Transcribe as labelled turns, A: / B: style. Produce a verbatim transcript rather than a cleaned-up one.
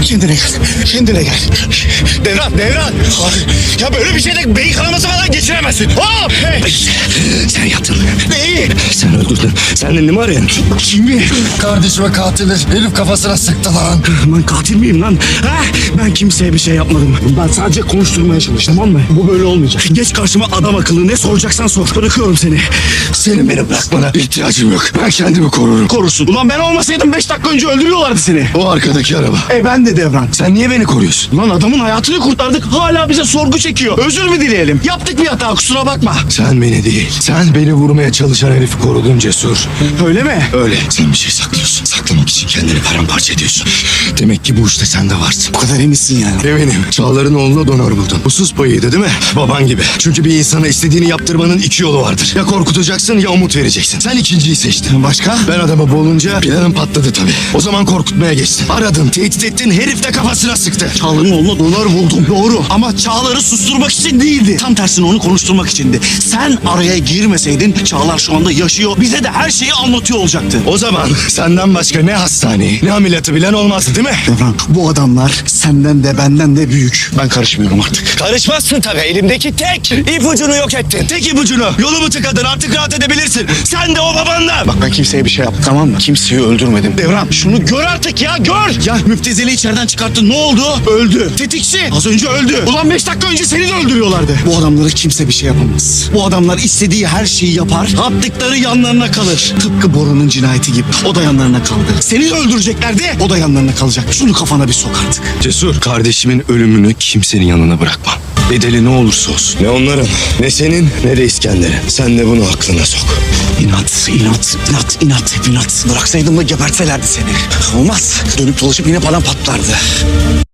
A: Kendine gel. Kendine gel. Devran, Devran. Ya böyle bir şeyde beyin kanaması falan geçiremezsin. Hop! Hey!
B: Sen yaptın.
A: Neyi?
B: Sen öldürdün. Sen elini mi arıyorsun?
A: Kimi?
C: Kardeşime katili herif kafasına sıktı lan.
B: Ben katil miyim lan? Ha? Ben kimseye bir şey yapmadım. Ben sadece konuşturmaya çalıştım, tamam mı? Bu böyle olmayacak. Geç karşıma adam akıllı, ne soracaksan sor. Bırakıyorum seni.
C: Senin beni bırakmana ihtiyacım yok. Ben kendimi korurum.
B: Korusun. Ulan ben olmasaydım beş dakika önce öldürüyorlardı seni.
C: O arkadaki araba.
B: E ben de Devran.
C: Sen niye beni koruyorsun?
B: Lan adamın hayatını kurtardık, hala bize sorgu çekiyor. Özür mü dileyelim? Yaptık bir hata, kusura bakma.
C: Sen beni değil. Sen beni vurmaya çalışan herifi korudun Cesur.
B: Öyle mi?
C: Öyle. Sen bir şey saklıyorsun. Saklamak için kendini paramparça ediyorsun. Demek ki bu işte sen de varsın.
B: Bu kadar eminsin yani.
C: Eminim. Çağlar'ın oğluna donör buldun. Husus payıydı değil mi? Baban gibi. Çünkü bir insana istediğini yaptırmanın iki yolu vardır. Ya korkutacaksın ya umut vereceksin. Sen ikinciyi seçtin.
B: Başka?
C: Ben adamı bulunca planın patladı tabii. O zaman korkutmaya geçtin. Aradın, tehdit ettin, herif de kafasına sıktı.
B: Çağlar'ın oğluna dolar buldum, doğru. Ama Çağlar'ı susturmak için değildi. Tam tersine onu konuşturmak içindi. Sen araya girmeseydin Çağlar şu anda yaşıyor. Bize de her şeyi anlatıyor olacaktı.
C: O zaman senden başka ne hastaneyi, ne ameliyatı bilen olmazdı değil mi?
B: Devran, bu adamlar senden de benden de büyük. Ben karışmıyorum artık.
C: Karışmazsın tabii. Elimdeki tek ipucunu yok ettin. Tek ipucunu. Yolumu tıkadın. Artık rahat edebilirsin. Sen de o babanla.
B: Bak ben kimseye bir şey yaptım, tamam mı? Kimseyi öldürmedim. Devran, şunu gör artık ya, gör. Ya Müptezeli içeriden çıkarttın, ne oldu? Öldü. Tetikçi az önce öldü. Ulan beş dakika önce seni de öldürüyorlardı. Bu adamlara kimse bir şey yapamaz. Bu adamlar istediği her şeyi yapar. Yaptıkları yanlarına kalır. Tıpkı Bora'nın cinayeti gibi. O da yanlarına kaldı. Seni de öldüreceklerdi. O da yanlarına kalacak. Şunu kafana bir sok artık.
C: Cesur, kardeşimin ölümünü kimsenin yanına bırakmam. Bedeli ne olursa olsun. Ne onların, ne senin, ne de İskender'in. Sen de bunu aklına sok.
B: İnat, inat, inat, inat, hep inat. Bıraksaydım da gebertselerdi seni. Olmaz. Dönüp dolaşıp yine bana patlardı.